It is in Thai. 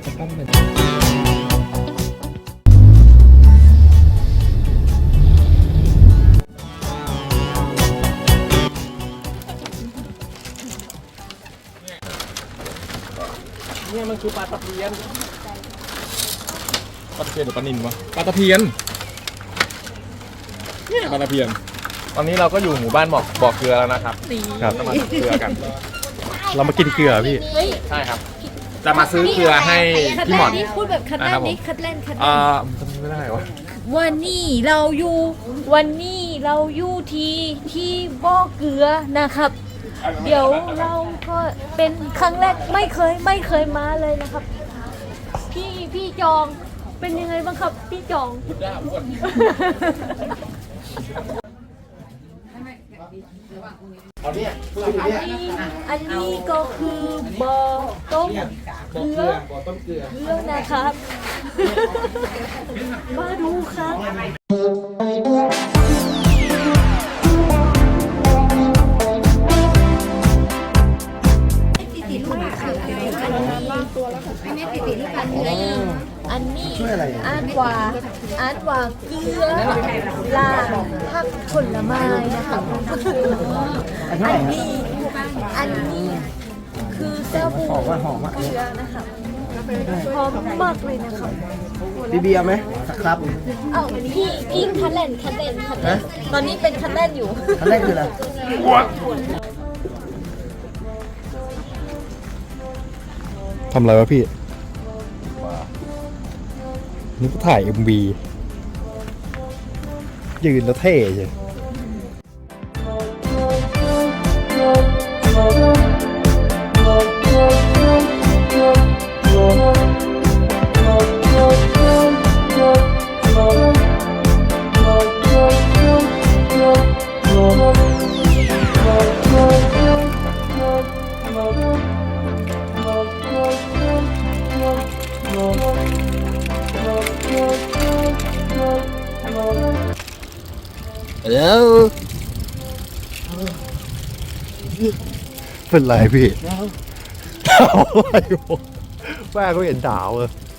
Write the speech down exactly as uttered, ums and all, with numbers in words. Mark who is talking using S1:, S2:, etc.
S1: จะปั้นเป็นเนี่ยมันคือปลาตะเพียนปลาตะเพียนหรือปลานิลวะปลาตะเพียนเนี่ยปลาตะเพียนตอนนี้เราก็อยู่หมู่บ้านบอกบอกเกลือแล้วนะครับครับจะมาซื้อเกลือกันเรามากินเกลือพี่ใช่ครับจะมาซื้อเกลือให้พี่หมอน
S2: พูดแบบคัดแรกนี้คัดแรกคัดแร
S1: อ่าก จำไม่ได้วะ
S2: วันนี้เราอยู่วันนี้เราอยู่ที่ที่บ่อเกลือนะครับ เดี๋ยวเราก็เป็นครั้งแรกไม่เคยไม่เคยมาเลยนะครับ พี่พี่จองเป็นยังไงบ้างครับพี่จอง
S1: อันนี้
S2: อันนี้ก็คือบ่อต้มเกลือ
S1: บ่อต้มเกลือ
S2: เกลือนะครับ มาดูครับอันนี้อันว่าอันว่าเกลือลาผักผลไม้นะคะอันนี้อันนี้คือเจ้าบูเกลือนะคะหอมมากเลยนะคะ
S1: บีบีเอาไหมครับ
S2: เอ้าพี่พี่คันเล่นคันเล่นคันเล่นตอนนี้เป็นคันเล่นอยู่
S1: คันแรกคืออะไรทำอะไรวะพี่นี่ก็ถ่าย เอ็ม วี ยืนแล้วเท่ใช่แล้วเป็นไรพี่ดาวอะไรวะแม่ก็เห็นดาวเลย